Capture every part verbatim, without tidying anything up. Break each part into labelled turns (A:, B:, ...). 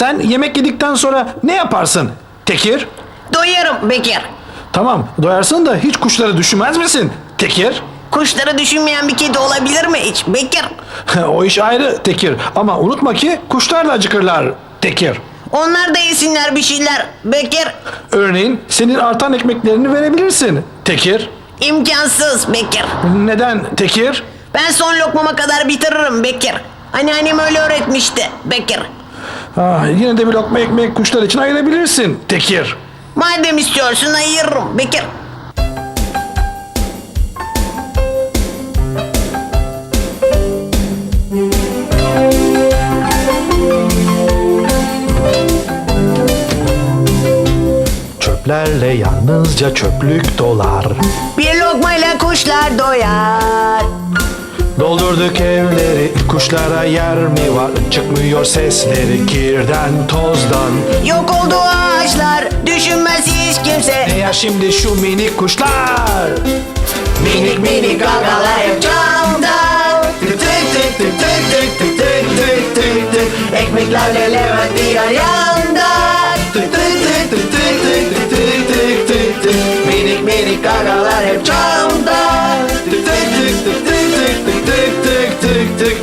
A: Sen yemek yedikten sonra ne yaparsın Tekir?
B: Doyarım Bekir.
A: Tamam, doyarsın da hiç kuşları düşünmez misin Tekir?
B: Kuşları düşünmeyen bir kedi olabilir mi hiç Bekir?
A: O iş ayrı Tekir. Ama unutma ki kuşlar da acıkırlar Tekir.
B: Onlar da yesinler bir şeyler Bekir.
A: Örneğin senin artan ekmeklerini verebilirsin Tekir.
B: İmkansız Bekir.
A: Neden Tekir?
B: Ben son lokmama kadar bitiririm Bekir. Anneannem öyle öğretmişti Bekir.
A: Ah, yine de bir lokma ekmek kuşlar için ayırabilirsin Tekir.
B: Madem istiyorsun ayırırım Bekir.
A: Çöplerle yalnızca çöplük dolar.
B: Bir lokmayla kuşlar doyar.
A: Doldurduk evleri, kuşlara yer mi var? Çıkmıyor sesleri kirden tozdan.
B: Yok oldu ağaçlar, düşünmez hiç kimse.
A: Ne ya şimdi şu minik kuşlar?
B: Minik minik gagalar hep camda. Tık tık tık tık tık tık tık tık tık tık tık. Ekmeklerle Levent diğer yanda. Tık tık tık tık tık tık tık tık tık tık tık. Minik minik gagalar hep camda. Tık tık tık tık tık tık tık tık tık tık tık.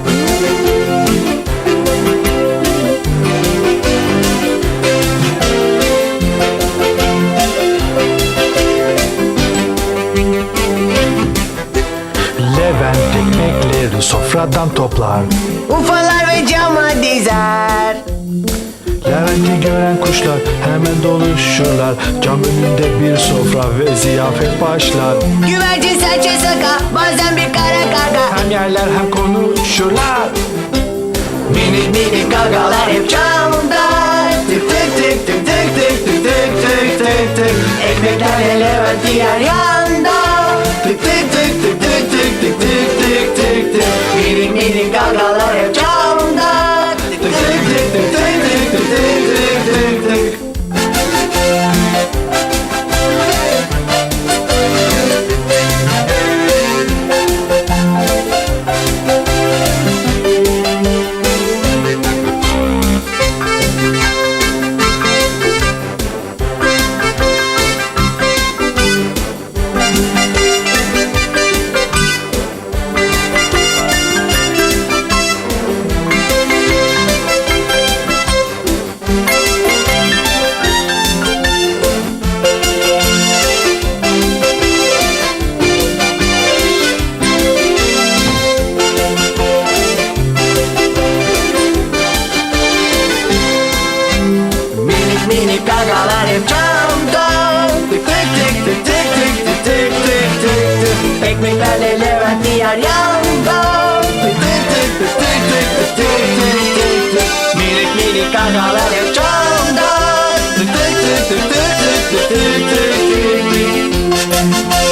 A: Levent ekmekleri sofradan toplar.
B: Ufalar ve cama dizer.
A: Levent'i gören kuşlar hemen doluşurlar. Cam önünde bir sofra ve ziyafet başlar.
B: Güvercin serçe saka, bazen bir kara karga.
A: Hem yerler hem konuşurlar.
B: Minik minik gagalar hep camda. Tık tık tık tık tık tık tık tık tık tık tık. Ekmeklerle Levent diğer yanda. Tık tık tık tık tık tık tık tık tık tık tık. Minik minik gagalar hep camda. Tık tık tık tık tık tık tık tık tık tık tık. Minik gagalar hep camda. Tık tık tık tık tık tık tık tık tık tık. Ekmeklerle Levent diğer yanda. Tık tık tık tık tık tık tık tık tık tık. Minik minik gagalar hep camda. Tık tık tık tık tık tık tık tık tık tık.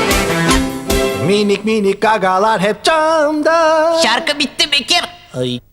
A: Minik minik gagalar hep camda.
B: Şarkı bitti Bekir.
A: Ay.